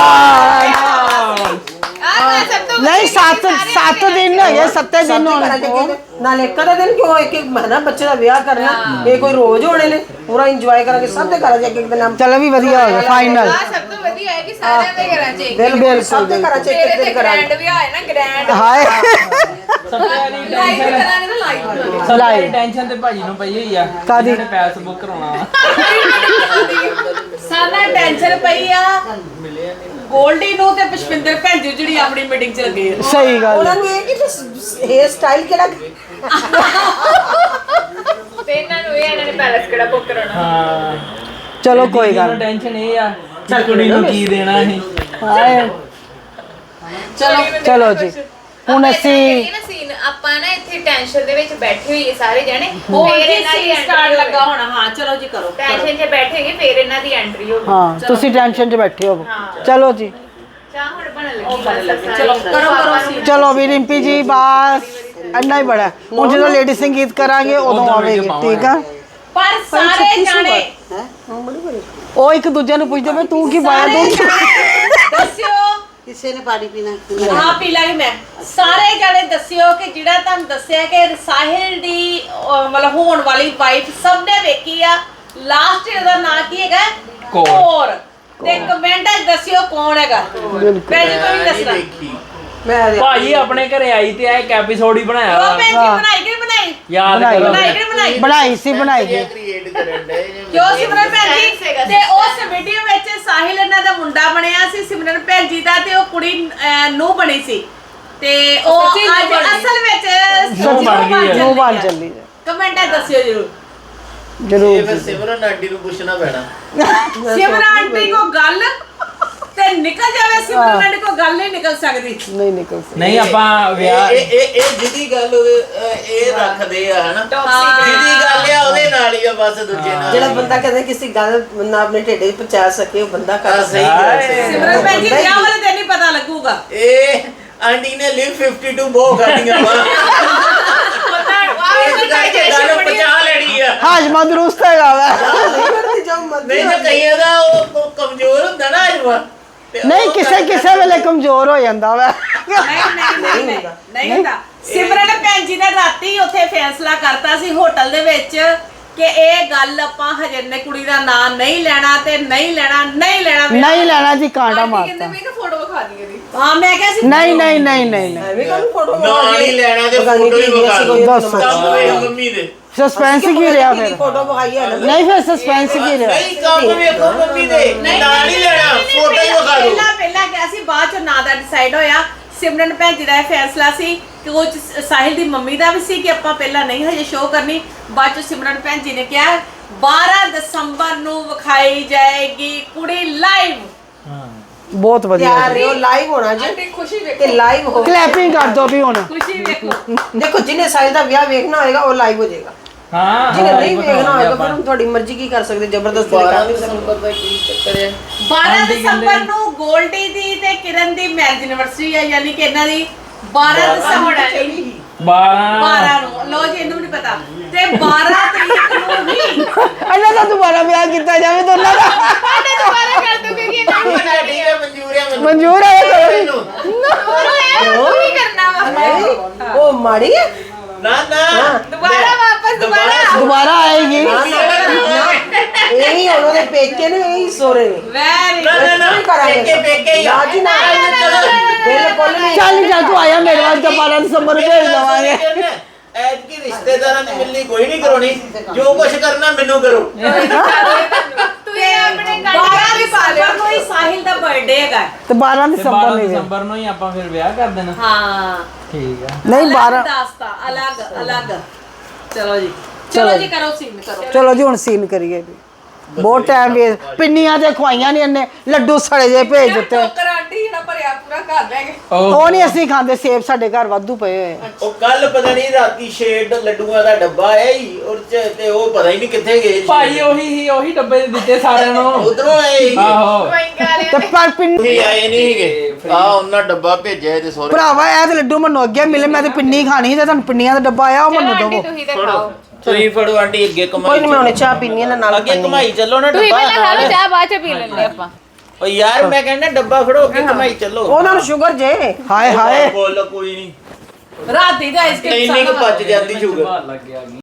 S7: ਨਹੀਂ 7 ਦਿਨ ਹੈਗੇ, 7 ਦਿਨ ਹੋਣੇ।
S1: ਨਾਲ ਇੱਕ ਦਾ ਦਿਨ ਕਿਉਂ? ਇੱਕ ਮਹੀਨਾ ਬੱਚੇ ਦਾ ਵਿਆਹ ਕਰਨਾ, ਇਹ ਕੋਈ ਰੋਜ਼ ਹੋਣੇ ਨੇ? ਪੂਰਾ ਇੰਜੋਏ ਕਰਾਂਗੇ ਸਭ ਦੇ ਘਰਾਂ 'ਚ ਇੱਕ ਦਿਨ।
S7: ਚਲੋ ਵੀ ਵਧੀਆ ਹੋ ਗਿਆ ਫਾਈਨਲ।
S3: ਸਭ ਤੋਂ ਵਧੀਆ ਹੈ ਕਿ ਸਾਰਿਆਂ ਦੇ ਘਰਾਂ 'ਚ ਇੱਕ
S7: ਬਿਲਕੁਲ
S1: ਸਭ ਦੇ ਘਰਾਂ 'ਚ ਇੱਕ ਦਿਨ ਕਰਾਂਗੇ।
S3: ਗ੍ਰੈਂਡ ਵਿਆਹ ਹੈ ਨਾ, ਗ੍ਰੈਂਡ
S7: ਹਾਏ
S3: ਲਾਈਵ ਕਰਾਂਗੇ ਨਾ, ਲਾਈਵ।
S4: ਸਾਰੀ ਟੈਨਸ਼ਨ ਤੇ ਭਾਜੀ ਨੂੰ ਪਈ ਹੋਈ ਆ।
S7: ਕਾਹਦੀ?
S4: ਇਹਨੇ ਪੈਸੇ ਬੁੱਕ ਕਰਾਉਣਾ ਵਾ।
S1: ਸਾਨਾ ਟੈਨਸ਼ਨ ਪਈ ਆ ਗੋਲਡੀ ਨੂੰ ਤੇ ਪੁਸ਼ਪਿੰਦਰ ਭੈਣ ਜੀ ਜਿਹੜੀ ਆਪਣੀ ਮੀਟਿੰਗ 'ਚ ਲੱਗੇ ਆ।
S7: ਸਹੀ ਗੱਲ।
S1: ਉਹਨਾਂ ਨੂੰ ਇਹ ਕਿ ਹੇਅਰ ਸਟਾਈਲ ਕਿਹੜਾ
S3: ਤੇ ਇਹਨਾਂ ਨੂੰ ਇਹਨਾਂ ਨੇ ਪੈਲਸ ਕਿਹੜਾ ਬੁੱਕ ਕਰਾਉਣਾ।
S4: ਹਾਂ
S7: ਚਲੋ ਕੋਈ ਗੱਲ
S4: ਮੈਨੂੰ ਟੈਨਸ਼ਨ ਇਹ ਆ ਕਿ ਕੁੜੀ ਨੂੰ ਕੀ ਦੇਣਾ ਸੀ।
S7: ਹਾਏ ਚਲੋ ਜੀ ਹੁਣ ਅਸੀਂ
S3: ਸੀਨ ਆਪਾਂ ਨਾ ਇੱਥੇ ਟੈਨਸ਼ਨ ਦੇ ਵਿੱਚ ਬੈਠੇ ਹੋਈਏ ਸਾਰੇ ਜਣੇ,
S1: ਹੋਰ
S3: ਫਿਰ
S1: ਕੀ
S3: ਇਹਨਾਂ ਦੀ
S1: ਸੀਨ ਸਟਾਰਟ ਲੱਗਾ ਹੋਣਾ। ਹਾਂ ਚਲੋ ਜੀ ਕਰੋ।
S3: ਟੈਨਸ਼ਨ 'ਚ ਬੈਠੇਗੇ ਫਿਰ ਇਹਨਾਂ ਦੀ ਐਂਟਰੀ ਹੋਊਗੀ।
S7: ਹਾਂ ਤੁਸੀਂ ਟੈਨਸ਼ਨ 'ਚ ਬੈਠੇ ਹੋ। ਚਲੋ ਜੀ
S3: ਚਾਹ ਹੁਣ ਬਣਨ ਲੱਗੀ।
S1: ਚਲੋ ਕਰੋ ਸੀਨ।
S7: ਚਲੋ ਵੀ ਰਿੰਪੀ ਜੀ ਬਸ ਇੰਨਾ ਹੀ ਬੜਾ। ਹੁਣ ਜਦੋਂ ਲੇਡੀ ਸੰਗੀਤ ਕਰਾਂਗੇ ਉਦੋਂ ਆਵੇਗੀ, ਠੀਕ ਆ?
S1: ਪਰ ਸਾਰੇ ਜਾਣੇ
S7: ਉਹ ਇੱਕ ਦੂਜੇ ਨੂੰ ਪੁੱਛਦੇ ਪਏ ਤੂੰ ਕੀ ਪਾਇਆ ਤੂੰ
S1: ਦੱਸਿਓ।
S5: ਕਿਸੇ ਨੇ ਪਾਣੀ ਪੀਣਾ?
S1: ਹਾਂ ਪੀ ਲਾਂਗੇ। ਮੈਂ ਸਾਰੇ ਜਾਣੇ ਦੱਸਿਓ ਕਿ ਜਿਹੜਾ ਤੁਹਾਨੂੰ ਦੱਸਿਆ ਕਿ ਸਾਹਿਲ ਦੀ ਮਤਲਬ ਹੋਣ ਵਾਲੀ ਵਾਈਫ ਸਭ ਨੇ ਵੇਖੀ ਆ। ਲਾਸਟ ਇਹਦਾ ਨਾਂ ਕੀ ਹੈਗਾ? ਕੌਰ। ਤੇ ਕਮੈਂਟਾਂ 'ਚ ਦੱਸਿਓ ਕੌਣ ਹੈਗਾ। ਮੈਂ ਜੀ ਕੋਈ ਨਹੀਂ ਦੱਸਣਾ।
S4: ਭਾਜੀ ਆਪਣੇ ਘਰੇ ਆਈ ਤੇ ਆ ਇੱਕ ਐਪੀਸੋਡ ਹੀ ਬਣਾਇਆ
S1: ਉਹ
S4: ਵਾ।
S1: ਭੈਣ ਜੀ ਬਣਾਈ ਕਿ ਨਹੀਂ ਬਣਾਈ
S4: ਯਾਦ
S7: ਬਣਾਈ।
S4: ਕਰੋ
S1: ਬਣਾਈ ਕਿ ਨਹੀਂ ਬਣਾਈ
S7: ਬਣਾਈ ਸੀ ਬਣਾਈ ਸੀ
S1: ਜੋ ਸਿਮਰਨ ਭੈਣ ਜੀ ਤੇ ਉਸ ਵੀਡੀਓ ਵਿੱਚ ਸਾਹਿਲ ਇਹਨਾਂ ਦਾ ਮੁੰਡਾ ਬਣਿਆ ਸੀ ਸਿਮਰਨ ਭੈਣ ਜੀ ਦਾ ਤੇ ਉਹ ਕੁੜੀ ਨੂੰ ਬਣੀ ਸੀ ਤੇ ਉਹ ਅੱਜ ਅਸਲ ਵਿੱਚ
S4: ਨੂੰਹ ਬਣ ਗਈ ਹੈ।
S7: ਨੂੰ ਬਣ ਚੱਲੀ
S1: ਕਮੈਂਟਾਂ ਦੱਸਿਓ ਜਰੂਰ
S7: ਜਰੂਰ
S8: ਫਿਰ ਸਿਮਰਨ ਆਂਟੀ ਨੂੰ ਪੁੱਛਣਾ ਪੈਣਾ
S1: ਸਿਮਰਨ ਆਂਟੀ ਕੋ ਗੱਲ ਤੇ ਨਿਕਲ ਜਾਵੇ ਸਿਮਰਨ ਆਂਟੀ ਕੋ ਗੱਲ ਨਹੀਂ ਨਿਕਲ ਸਕਦੀ
S7: ਨਹੀਂ ਨਿਕਲ ਸਕਦੀ।
S4: ਨਹੀਂ ਆਪਾਂ ਵਿਆਹ
S8: ਇਹ ਜਿਹਦੀ ਗੱਲ ਇਹ ਰੱਖਦੇ ਆ ਹਨਾ ਜਿਹਦੀ ਗੱਲ ਆ ਉਹਦੇ ਨਾਲ ਹੀ ਆ ਬਸ ਦੂਜੇ ਨਾਲ
S9: ਜਿਹੜਾ ਬੰਦਾ ਕਹਿੰਦਾ ਕਿਸੇ ਗੱਲ ਨਾ ਆਪਣੇ ਢਿੱਡ 'ਚ ਪਹੁੰਚਾ ਸਕੇ ਉਹ ਬੰਦਾ ਕਰ
S8: ਸਹੀ ਗੱਲ ਸਹੀ
S1: ਸਿਮਰਨ ਭੈਣ ਜੀ ਵਿਆਹ ਵਾਲੇ ਦਿਨ ਹੀ ਪਤਾ ਲੱਗੂਗਾ
S8: ਇਹ ਆਂਟੀ ਨੇ ਲਿਵ 52 ਬਹੁਤ ਕਰਦੀਆਂ ਵਾ ਇਸ ਕਰਕੇ ਗੱਲ ਪਹੁੰਚਾ ਲੈਣੀ ਆ
S7: ਹਾਜਮਾ ਦਰੁਸਤ ਹੈਗਾ ਵਾ
S9: ਨਹੀਂ ਕਰਦੀ ਜਾਓ ਮਰਜ਼ੀ
S8: ਨਹੀਂ ਤਾਂ ਕਈਆਂ ਦਾ ਉਹ ਕਮਜ਼ੋਰ ਹੁੰਦਾ ਨਾ ਅਜਵਾ
S7: ਨਹੀਂ ਕਿਸੇ ਵੇਲੇ ਕਮਜ਼ੋਰ ਹੋ ਜਾਂਦਾ ਵਾ
S1: ਨਹੀਂ ਹੁੰਦਾ ਸਿਮਰਨ ਭੈਣ ਜੀ ਨੇ ਰਾਤੀ ਉੱਥੇ ਫੈਸਲਾ ਕਰਤਾ ਸੀ ਹੋਟਲ ਦੇ ਵਿੱਚ ਕਿ ਇਹ ਗੱਲ ਆਪਾਂ ਹਜੇ ਨੇ ਕੁੜੀ ਦਾ ਨਾਂ ਨਹੀਂ ਲੈਣਾ ਤੇ ਨਹੀਂ ਲੈਣਾ
S7: ਨਹੀਂ ਲੈਣਾ ਜੀ ਕਾਂਟਾ ਮਾਰਤਾ
S3: ਫੋਟੋ ਵਿਖਾ ਦਈਏ ਦੀ
S1: ਹਾਂ ਮੈਂ ਕਿਹਾ ਸੀ
S7: ਨਹੀਂ
S9: ਐਵੇਂ ਕਾਹਨੂੰ ਫੋਟੋ
S8: ਨਾ ਨਹੀਂ ਲੈਣਾ ਤੇ ਫੋਟੋ ਹੀ ਵਿਖਾ ਦੋ
S7: ਦੱਸੋ।
S8: ਕੰਮ ਵੇਖ ਮੰਮੀ ਦੇ
S7: ਸਸਪੈਂਸ ਕੀ ਰਿਹਾ ਫਿਰ
S9: ਫੋਟੋ ਵਿਖਾਈ ਹੈ ਨਾ
S7: ਨਹੀਂ ਫਿਰ ਸਸਪੈਂਸ ਕੀ ਰਿਹਾ
S8: ਨਹੀਂ ਕੰਮ ਵੇਖੋ ਮੰਮੀ ਦੇ ਨਾ ਨਹੀਂ ਲੈਣਾ ਫੋਟੋ ਹੀ ਵਿਖਾ ਦੋ
S1: ਪਹਿਲਾਂ ਕਿਹਾ ਸੀ ਬਾਅਦ ਚ ਨਾਂ ਦਾ ਡਿਸਾਈਡ ਹੋਇਆ ਸਿਮਰਨ ਭੈਣ ਜੀ ਦਾ ਇਹ ਫੈਸਲਾ ਸੀ ਕਿ ਉਹ 'ਚ ਸਾਹਿਲ ਦੀ ਮੰਮੀ ਦਾ ਵੀ ਸੀ ਕਿ ਆਪਾਂ ਪਹਿਲਾਂ ਨਹੀਂ ਹਜੇ ਸ਼ੋਅ ਕਰਨੀ ਬਾਅਦ ਚ ਸਿਮਰਨ ਭੈਣ ਜੀ ਨੇ ਕਿਹਾ 12 ਦਸੰਬਰ ਨੂੰ ਵਿਖਾਈ ਜਾਏਗੀ ਕੁੜੀ ਲਾਈਵ
S7: ਬਹੁਤ ਵਧੀਆ
S9: ਤਿਆਰ ਰਹੋ ਲਾਈਵ ਹੋਣਾ ਜੀ
S3: ਆਂਟੀ ਖੁਸ਼ੀ ਵੇਖੋ
S9: ਤੇ ਲਾਈਵ ਹੋ
S7: ਕਲੈਪਿੰਗ ਕਰ ਦੋ ਵੀ ਹੁਣ
S1: ਖੁਸ਼ੀ ਵੇਖੋ
S9: ਦੇਖੋ ਜਿਹਨੇ ਸਾਹਿਲ ਦਾ ਵਿਆਹ ਵੇਖਣਾ ਹੋਏਗਾ ਉਹ ਲਾਈਵ ਹੋ ਜਾਏਗਾ
S4: ਹਾਂ
S9: ਜਿਹਨੇ ਨਹੀਂ ਵੇਖਣਾ ਹੋਏਗਾ ਫਿਰ ਹੁਣ ਤੁਹਾਡੀ ਮਰਜ਼ੀ ਕੀ ਕਰ ਸਕਦੇ ਜ਼ਬਰਦਸਤੀ ਨਹੀਂ ਕਰ ਸਕਦੇ
S8: ਦਸੰਬਰ ਦਾ ਕੀ ਚੱਕਰ ਹੈ
S1: 12 ਦਸੰਬਰ ਨੂੰ ਗੋਲਡੀ ਦੀ ਤੇ ਕਿਰਨ ਦੀ ਮੈਰਿਜ ਐਨਵਰਸਰੀ ਹੈ ਯਾਨੀ ਕਿ ਇਹਨਾਂ ਦੀ 12 ਦਸੰਬਰ 12 ਨੂੰ ਲੋ ਜੀ ਇਹਨੂੰ ਨਹੀਂ ਪਤਾ ਤੇ 12 ਤਰੀਕ ਨੂੰ ਹੀ
S7: ਇਹਨਾਂ ਦਾ ਦੁਬਾਰਾ ਵਿਆਹ ਕੀਤਾ ਜਾਵੇ ਦੋਨਾਂ ਦਾ
S3: ਸਾਡੇ ਦੁਬਾਰਾ ਕਰ ਦੋ ਕਿਉਂਕਿ ਇਹਨਾਂ ਨੂੰ ਪਤਾ
S8: ਠੀਕ ਹੈ ਮਨਜ਼ੂਰ ਹੈ ਮੈਨੂੰ
S7: ਮਨਜ਼ੂਰ ਹੈ
S8: ਮੈਨੂੰ
S3: ਉਹ ਕੀ ਕਰਨਾ ਵਾ
S9: ਉਹ ਮਾੜੀ ਹੈ
S8: ਨਾ ਨਾ
S3: ਦੁਬਾਰਾ ਵਾਪਸ
S7: ਦੁਬਾਰਾ ਆਏਗੀ
S9: ਇਹ ਹੀ ਉਹਨਾਂ ਦੇ ਪੇਕੇ ਨੇ ਇਹ ਹੀ ਸੋਰੇ ਨੇ
S1: ਵੈਰੀ
S8: ਨਾ ਨਾ ਨਾ ਪੇਕੇ ਹੀ
S9: ਨਾ ਜੀ ਨਾ ਬਿਲਕੁਲ ਨਹੀਂ
S7: ਚੱਲ ਜਾ ਤੂੰ ਆਇਆ ਮੇਰੇ ਵਾਸਤੇ 12 ਦਸੰਬਰ ਨੂੰ ਭੇਜ ਦਵਾਂਗੇ
S8: ਐਤਕੀ ਰਿਸ਼ਤੇਦਾਰਾਂ ਦੀ ਮਿਲਣੀ ਕੋਈ ਨਹੀਂ ਕਰਾਉਣੀ ਜੋ ਕੁਝ ਕਰਨਾ ਮੈਨੂੰ ਕਰੋ
S3: ਤੁਸੀਂ ਆਪਣੇ
S1: 12 ਦਸੰਬਰ ਨੂੰ ਹੀ ਸਾਹਿਲ ਦਾ ਬਰਥਡੇ ਹੈਗਾ
S7: ਤੇ 12 ਦਸੰਬਰ ਨੂੰ ਹੀ
S4: ਦਸੰਬਰ ਨੂੰ ਹੀ ਆਪਾਂ ਫਿਰ ਵਿਆਹ ਕਰ ਦੇਣਾ
S1: ਹਾਂ
S4: ਠੀਕ ਆ
S7: ਨਹੀਂ 12
S1: ਦਾਸਤਾ ਅਲੱਗ ਚਲੋ ਜੀ ਕਰੋ ਸੀਨ ਕਰੋ
S7: ਚਲੋ ਜੀ ਹੁਣ ਸੀਨ ਕਰੀਏ ਵੀ ਬਹੁਤ ਟਾਈਮ ਵੇ ਪਿੰਨੀਆਂ ਤੇ ਖਵਾਈਆਂ ਨਹੀਂ ਇਹਨੇ ਲੱਡੂ ਸੜੇ ਜੇ ਭੇਜ ਦਿੱਤੇ
S3: ਟੋਕਰ ਆਂਟੀ ਨਾ ਭਰਿਆ ਪੂਰਾ ਘਰ ਲੈ ਗਏ
S7: ਉਹ ਨਹੀਂ ਅਸੀਂ ਖਾਂਦੇ ਸੇਬ ਸਾਡੇ ਘਰ ਵਾਧੂ ਪਏ ਹੋਏ ਆ।
S8: ਉਹ ਕੱਲ ਪਤਾ ਨਹੀਂ ਰਾਤੀ ਸ਼ੇਡ ਲੱਡੂਆਂ ਦਾ ਡੱਬਾ ਆਇਆ ਹੀ ਔਰ ਤੇ ਉਹ ਪਤਾ ਹੀ ਨਹੀਂ ਕਿੱਥੇ ਗਏ
S4: ਭਾਈ ਉਹੀ ਡੱਬੇ ਦਿੱਤੇ ਸਾਰਿਆਂ ਨੂੰ
S8: ਉਧਰੋਂ ਆਏ ਸੀ
S4: ਆਹੋ
S3: ਕੋਈ ਗੱਲ
S7: ਤੇ ਪਰ ਪਿੰਨੀ
S8: ਤੁਸੀਂ ਆਏ ਨਹੀਂ ਸੀਗੇ ਆ ਉਹਨਾਂ ਡੱਬਾ ਭੇਜਿਆ ਤੇ ਸੋਰੇ
S7: ਭਰਾਵਾ ਇਹ ਤੇ ਲੱਡੂ ਮੈਨੂੰ ਅੱਗੇ ਮਿਲੇ ਮੈਂ ਤੇ ਪਿੰਨੀ ਖਾਣੀ ਸੀ ਤੇ ਤੁਹਾਨੂੰ ਪਿੰਨੀਆਂ ਦਾ ਡੱਬਾ ਆਇਆ ਉਹ ਮੈਨੂੰ
S3: ਆਂਟੀ
S7: ਦਵੋ
S3: ਤੁਸੀਂ ਤੇ ਖਾਓ
S8: ਤੁਸੀਂ ਫੜੋ ਆਂਟੀ ਅੱਗੇ
S9: ਕੋਈ
S8: ਕਮਾਈ
S9: ਨਹੀਂ ਮੈਂ ਉਹਨੇ ਚਾਹ ਪੀਣੀ ਹੈ ਨਾਲ
S8: ਅੱਗੇ ਕਮਾਈ ਚੱਲੋ ਨਾ
S3: ਤੁਸੀਂ
S8: ਡੱਬਾ
S3: ਪਹਿਲਾਂ ਖਾ ਲਓ ਚਾਹ ਬਾਅਦ ਚ ਪੀ ਲੈਂਦੇ ਆਪਾਂ
S8: ਓ ਯਾਰ ਮੈਂ ਕਹਿੰਦਾ ਡੱਬਾ ਫੜੋ ਅੱਗੇ ਕਮਾਈ ਚੱਲੋ
S9: ਉਹਨਾਂ ਨੂੰ ਸ਼ੂਗਰ ਜੇ
S7: ਹਾਏ ਹਾਏ
S8: ਬੋਲ ਕੋਈ ਨਹੀਂ
S1: ਰਾਤੀ ਦਾ ਆਈਸਕ੍ਰੀਮ
S8: ਇੰਨੀ ਕੁ ਪਚ ਜਾਂਦੀ ਸ਼ੂਗਰ
S4: ਲੱਗ ਗਿਆ